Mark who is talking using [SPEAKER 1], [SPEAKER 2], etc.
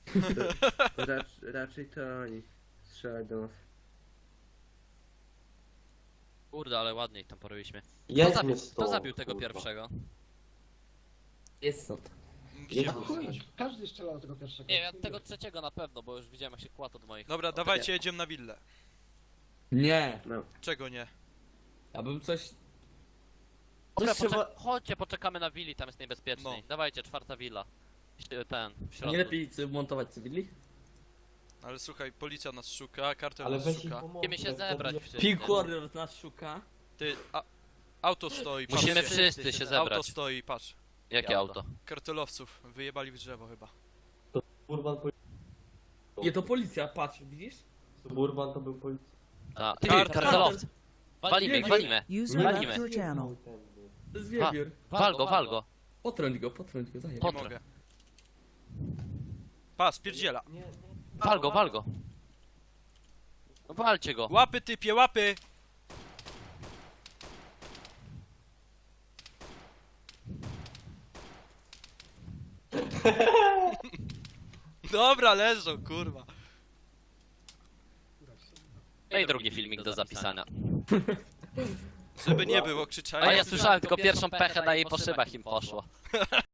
[SPEAKER 1] Raczej to oni strzelać do nas.
[SPEAKER 2] Kurde, ale ładniej tam porobiliśmy.
[SPEAKER 3] Jedź mnie
[SPEAKER 2] Kto zabił tego pierwszego?
[SPEAKER 4] Jest stąd.
[SPEAKER 3] Jedź
[SPEAKER 5] Chuj, każdy strzelał do tego pierwszego.
[SPEAKER 2] Nie, ja tego trzeciego na pewno, bo już widziałem jak się kładł od moich.
[SPEAKER 6] Dobra, dawajcie, jedziemy na willę.
[SPEAKER 4] Nie.
[SPEAKER 1] No.
[SPEAKER 6] Czego nie?
[SPEAKER 4] Ja bym coś...
[SPEAKER 2] Dobra,
[SPEAKER 4] Coś trzeba-
[SPEAKER 2] chodźcie, poczekamy na willi, tam jest niebezpieczniej.
[SPEAKER 6] No.
[SPEAKER 2] Dawajcie, 4. willa. Ten, w środku.
[SPEAKER 4] Nie lepiej montować cywili?
[SPEAKER 6] Ale słuchaj, policja nas szuka, kartel
[SPEAKER 3] Ale
[SPEAKER 6] nas
[SPEAKER 3] weź ich
[SPEAKER 6] szuka.
[SPEAKER 3] pomogę.
[SPEAKER 2] Musimy się zebrać wszyscy.
[SPEAKER 4] Pink Warrior nas szuka.
[SPEAKER 6] Ty, auto stoi,
[SPEAKER 2] Musimy
[SPEAKER 6] patrzcie.
[SPEAKER 2] wszyscy się zebrać.
[SPEAKER 6] Auto stoi, patrz.
[SPEAKER 2] Jakie auto?
[SPEAKER 6] Kartelowców, wyjebali w drzewo chyba.
[SPEAKER 3] Suburban,
[SPEAKER 4] Nie, to policja, patrz, widzisz?
[SPEAKER 3] Suburban to był policja.
[SPEAKER 2] A, ty,
[SPEAKER 6] Kartel.
[SPEAKER 2] kartelowcy. Walimy ich, walimy.
[SPEAKER 7] User
[SPEAKER 2] Walimy.
[SPEAKER 7] left your channel.
[SPEAKER 4] To jest wiewiór.
[SPEAKER 2] Wal go,
[SPEAKER 4] Potrąć go, zajeb.
[SPEAKER 6] Nie
[SPEAKER 2] Potrę.
[SPEAKER 6] mogę. Pa, spierdziela.
[SPEAKER 3] Nie, nie.
[SPEAKER 2] Wal go. No walcie go.
[SPEAKER 6] Łapy typie, łapy! Dobra, leżą, kurwa.
[SPEAKER 2] No i drugi filmik do zapisania.
[SPEAKER 6] Żeby nie było krzyczenia.
[SPEAKER 2] A ja słyszałem tylko pierwszą pechę na jej po szybach im poszło.